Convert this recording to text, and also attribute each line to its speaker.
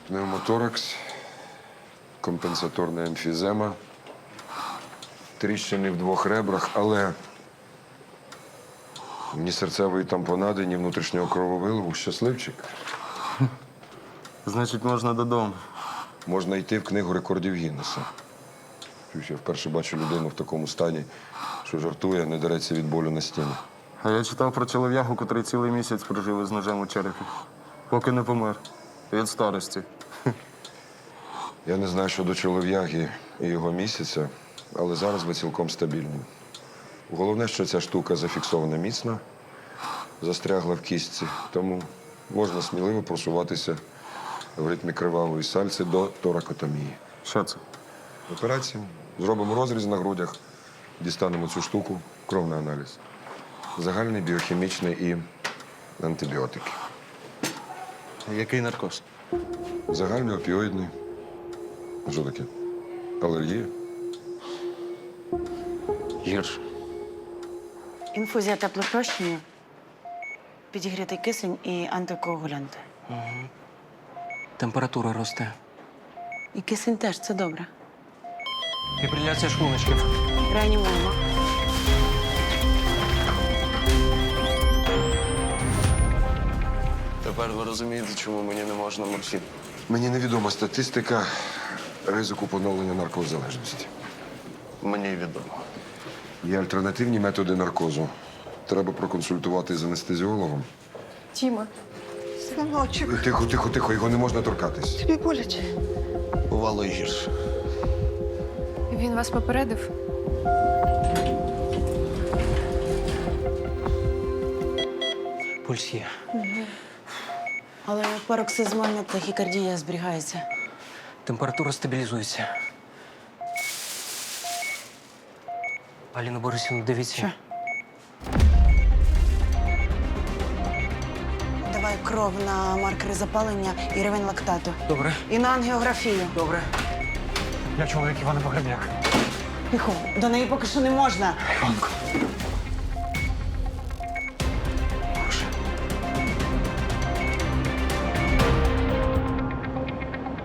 Speaker 1: Пневмоторакс, компенсаторна емфізема, тріщини в двох ребрах, але ні серцевої тампонади, ні внутрішнього крововиливу. Щасливчик.
Speaker 2: Значить, можна додому.
Speaker 1: Можна йти в книгу рекордів Гіннеса. Я вперше бачу людину в такому стані, що жартує, не дереться від болю на стіні.
Speaker 2: А я читав про чолов'ягу, котрий цілий місяць прожив із ножем у черепі. Поки не помер. Від старості.
Speaker 1: Я не знаю щодо чолов'яги і його місяця, але зараз ви цілком стабільні. Головне, що ця штука зафіксована міцно, застрягла в кістці, тому можна сміливо просуватися в ритмі кривавої сальці до торакотомії.
Speaker 2: Що це?
Speaker 1: Операція. Зробимо розріз на грудях, дістанемо цю штуку, кровний аналіз. Загальний, біохімічний і антибіотики.
Speaker 2: Який наркоз?
Speaker 1: Загальний опіоїдний. Що таке? Алергія?
Speaker 2: Гірше.
Speaker 3: Інфузія теплопрощення, підігрітий кисень і антикоагулянти.
Speaker 4: Температура росте.
Speaker 3: І кисень теж, це добре.
Speaker 4: Фібриляція шлуночків.
Speaker 3: Реанімуємо.
Speaker 2: Тепер ви розумієте, чому мені не можна морфін.
Speaker 1: Мені невідома статистика ризику поновлення наркозалежності.
Speaker 2: Мені відомо.
Speaker 1: Є альтернативні методи наркозу. Треба проконсультувати з анестезіологом.
Speaker 5: Тіма, синочок,
Speaker 1: Тихо, тихо, тихо, його не можна торкатись.
Speaker 5: тобі боляче.
Speaker 2: Бувало і гірше.
Speaker 5: Він вас попередив?
Speaker 4: Пульс є.
Speaker 3: Але пароксизмальна тахікардія зберігається.
Speaker 4: Температура стабілізується. Аліна Борисівна, дивіться.
Speaker 3: Що? Давай кров на маркери запалення і рівень лактату.
Speaker 4: Добре.
Speaker 3: І на ангіографію.
Speaker 4: Добре. Я чоловік Івана Погребняк.
Speaker 3: Тихо, до неї поки що не можна.
Speaker 4: Іванко.